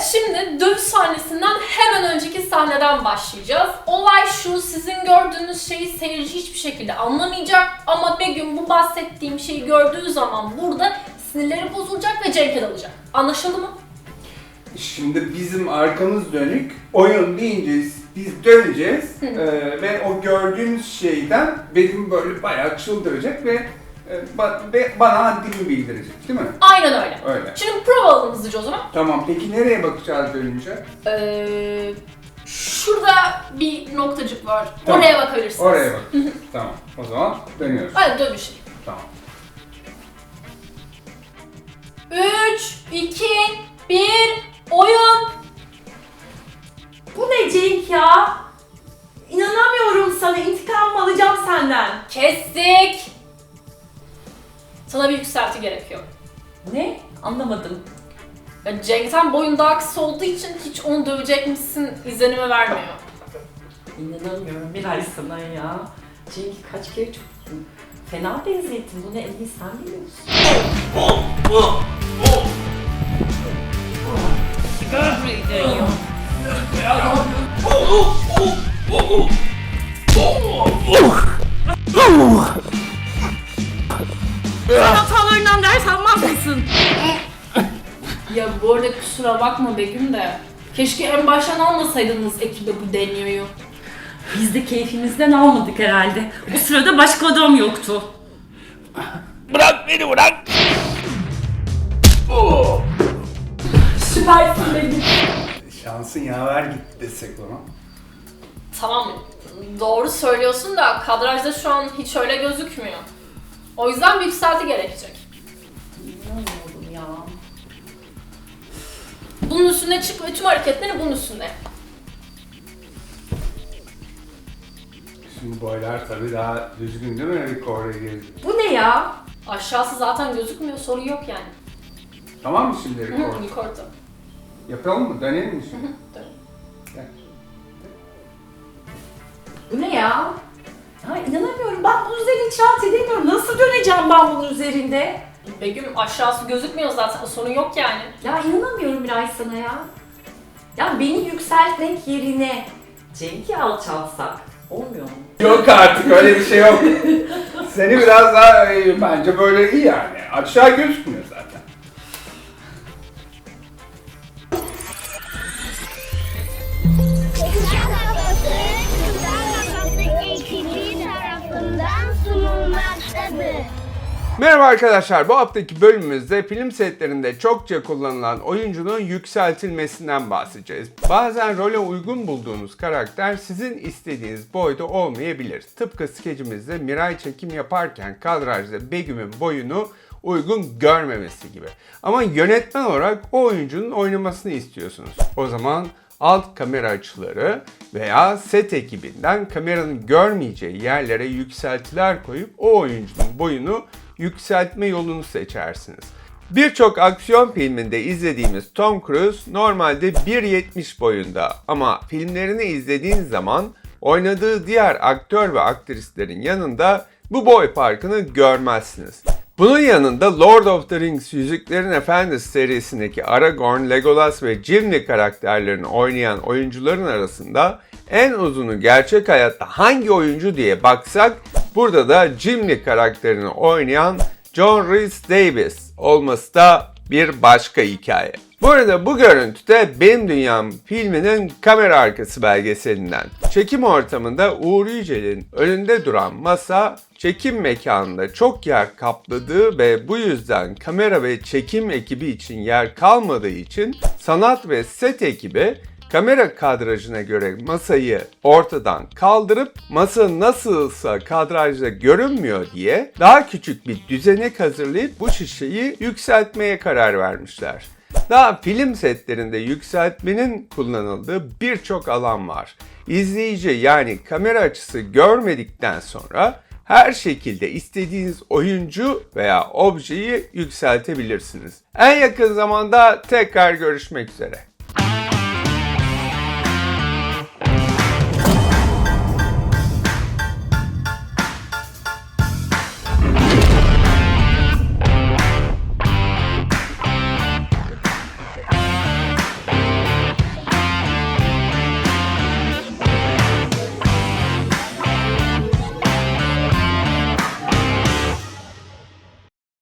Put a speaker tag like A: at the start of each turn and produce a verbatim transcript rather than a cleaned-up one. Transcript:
A: Evet, şimdi dövüş sahnesinden hemen önceki sahneden başlayacağız. Olay şu, sizin gördüğünüz şeyi seyirci hiçbir şekilde anlamayacak ama Begüm bu bahsettiğim şeyi gördüğü zaman burada sinirleri bozulacak ve Cenk'e dalacak. Anlaşıldı mı?
B: Şimdi bizim arkamız dönük, oyun deyince biz döneceğiz ee, ve o gördüğümüz şeyden Begüm böyle bayağı çıldıracak ve, e, ba ve bana haddini bildirecek, değil mi?
A: Aynen öyle.
B: Öyle.
A: Şimdi prova alalım hızlıca o zaman.
B: Tamam, peki nereye bakacağız dönünce?
A: Ee, şurada bir noktacık var.
B: Tamam.
A: Oraya bakabilirsiniz.
B: Oraya bak. Tamam, o zaman dönüyoruz.
A: Hadi dönüşelim.
B: Tamam.
A: üç, iki, bir, oyun!
C: Bu ne Cenk ya? İnanamıyorum sana, intikam alacağım senden.
A: Kestik! Sana bir yükselti gerekiyor.
C: Ne? Anlamadım.
A: Ya Cenk'ten boyun daha kısa olduğu için hiç onu dövecekmişsin izlenimi vermiyor.
C: İnanamıyorum Miray sana ya. Cenk'i kaç kere çöktün. Fena benzettin, bunu en iyi sen biliyorsun. Sigara dönüyor. Sen hatalarından ders almaz mısın?
A: Ya bu arada kusura bakma Begüm de. Keşke en baştan almasaydınız ekibe bu deniyoyu.
C: Biz de keyfimizden almadık herhalde. Bu sırada başka adam yoktu.
D: Bırak beni bırak. Oh.
A: Süpersin Begüm.
B: Şansın yaver gitti desek ona.
A: Tamam, doğru söylüyorsun da kadrajda şu an hiç öyle gözükmüyor. O yüzden bir yükselti gerekecek.
C: İnanamıyorum ya.
A: Bunun üstüne çık ve tüm hareketleri bunun üstünde yap.
B: Şimdi boylar tabii daha düzgün değil mi? Rekor'a girdi.
C: Bu ne ya?
A: Aşağısı zaten gözükmüyor, sorun yok yani.
B: Tamam mı şimdi rekor?
A: Hı, yukarıda.
B: Yapalım mı? Dönelim mi şimdi?
A: Dön.
B: Gel.
C: Bu ne ya? Ya inanamıyorum. Ben bunun üzerinde hiç rahat edemiyorum. Nasıl döneceğim ben bunun üzerinde?
A: Begüm aşağısı gözükmüyor zaten, sorun yok yani.
C: Ya inanamıyorum Miray sana ya. Ya beni yükseltmek yerine Cenk'i alçaltsak olmuyor mu?
B: Yok artık öyle bir şey yok. Seni biraz daha e, bence böyle iyi yani. Aşağı gözükmüyor zaten.
E: Ekibi tarafından sunulmaktadır.
B: Merhaba arkadaşlar, bu haftaki bölümümüzde film setlerinde çokça kullanılan oyuncunun yükseltilmesinden bahsedeceğiz. Bazen role uygun bulduğunuz karakter sizin istediğiniz boyda olmayabilir. Tıpkı skecimizde Miray çekim yaparken kadrajda Begüm'ün boyunu uygun görmemesi gibi. Ama yönetmen olarak o oyuncunun oynamasını istiyorsunuz. O zaman alt kamera açıları veya set ekibinden kameranın görmeyeceği yerlere yükseltiler koyup o oyuncunun boyunu yükseltme yolunu seçersiniz. Birçok aksiyon filminde izlediğimiz Tom Cruise normalde bir yetmiş boyunda ama filmlerini izlediğiniz zaman oynadığı diğer aktör ve aktrislerin yanında bu boy farkını görmezsiniz. Bunun yanında Lord of the Rings Yüzüklerin Efendisi serisindeki Aragorn, Legolas ve Gimli karakterlerini oynayan oyuncuların arasında en uzunu gerçek hayatta hangi oyuncu diye baksak burada da Gimli karakterini oynayan John Rhys Davies olması da bir başka hikaye. Bu arada bu görüntü de Benim Dünyam filminin kamera arkası belgeselinden. Çekim ortamında Uğur Yücel'in önünde duran masa çekim mekanında çok yer kapladığı ve bu yüzden kamera ve çekim ekibi için yer kalmadığı için sanat ve set ekibi kamera kadrajına göre masayı ortadan kaldırıp masa nasılsa kadrajda görünmüyor diye daha küçük bir düzenek hazırlayıp bu şişeyi yükseltmeye karar vermişler. Daha film setlerinde yükseltmenin kullanıldığı birçok alan var. İzleyici yani kamera açısı görmedikten sonra her şekilde istediğiniz oyuncu veya objeyi yükseltebilirsiniz. En yakın zamanda tekrar görüşmek üzere.